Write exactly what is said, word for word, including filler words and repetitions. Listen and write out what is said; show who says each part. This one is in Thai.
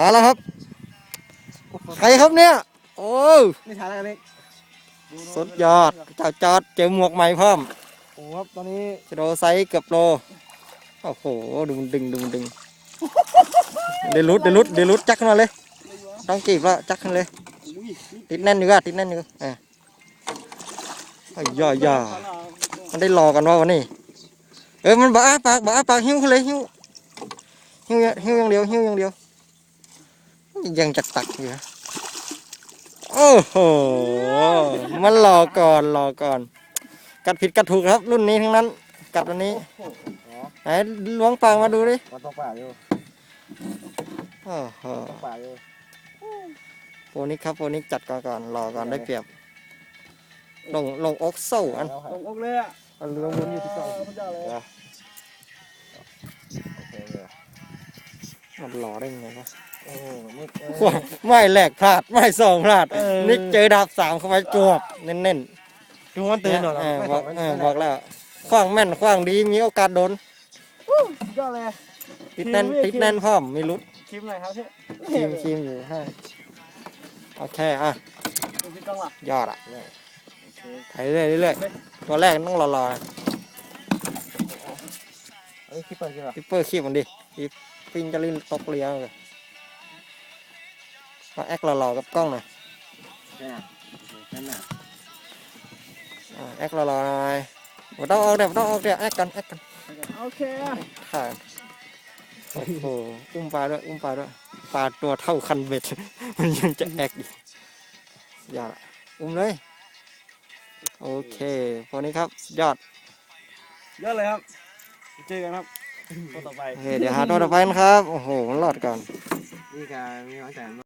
Speaker 1: หาแล้วครับใครครับเนี่ยโอ้
Speaker 2: ไม่ทันแล้วกันนี่
Speaker 1: สุดยอดเจ้าจอดเจอหมวกใหม่เพิ่ม
Speaker 2: โอ้ครับตอนนี้
Speaker 1: โลไซส์เกือบโลโอ้โหดึงดึงดึงดึงเดลุดเดลุดเดลุดจักขึ้นมาเลยต้องจีบแล้วจักขึ้นเลยติดแน่นอยู่ก็ติดแน่นอยู่อ่ะไอ้ย่อย่อมันได้รอกันว่าวันนี้เออมันบ้าปากบ้าปากหิ้วเลยหิ้วหิ้วหิ้วอย่างเดียวหิ้วอย่างเดียวยังจักตักอยู่โอ้โหมันรอก่อนรอก่อนกัดผิดกัดถูกครับรุ่นนี้ทั้งนั้นกัดวันนี้ไหนล้วงปากมาดูดิ
Speaker 2: มันต้องป่าอยู่
Speaker 1: โอ้โห
Speaker 2: ต้องป่าอยู่
Speaker 1: โปนิกครับโปนิกจัดก่อนก่อนรอก่อนได้เปรียบลงลงอกโซ่อัน
Speaker 2: ลงอกเลยอ่ะ
Speaker 1: เรือวนอยู่ที่เก่ามันหล่อได้ไงวะไม่แหลกพลาดไม่ส่งพลาดนิกเจอดาบสามเข้าไปจวบเน้น
Speaker 2: ๆดูมันตื่นหน่อย
Speaker 1: บอกบอกแล้วขว้างแม่นขว้างดีมีโอกาสโดน
Speaker 2: ยอดเลย
Speaker 1: ติดแน่นติดแน่นพร้อมไม่รุด
Speaker 2: ชิมหน่อยครับพี่
Speaker 1: ชิมชิมอยู่ให้โอเคอ่ะยอดอ่ะถ่ายเรื่อยเรื่อยตัวแรกต้องรอรอ
Speaker 2: คิปเปอร์คิปเปอร์
Speaker 1: คิปเปอร์คีบมันดิคีบปิ้งจะลิ้นตกเลี้ยงเลยมาแอครอๆกับกล้องหน่อยแอครอๆหน่อยมาต้องออกเดี๋ยวต้องออกเดี๋ยวแอคกันแอคกัน
Speaker 2: โอเค
Speaker 1: ค่ะโอ้โหอุ้มปลาด้วยอุ้มปลาด้วยปลาตัวเท่าคันเบ็ดมันยังจะแอคอีกอย่าอุ้มเลยโอเคพอนี้ครับยอด
Speaker 2: ยอดเลยครับเจอกันครับตัวต่อไป
Speaker 1: เดี๋ยวหาตัวต่อไปนะครับโอ้โหมันรอดก่อน
Speaker 2: นี่การมีหวังแต่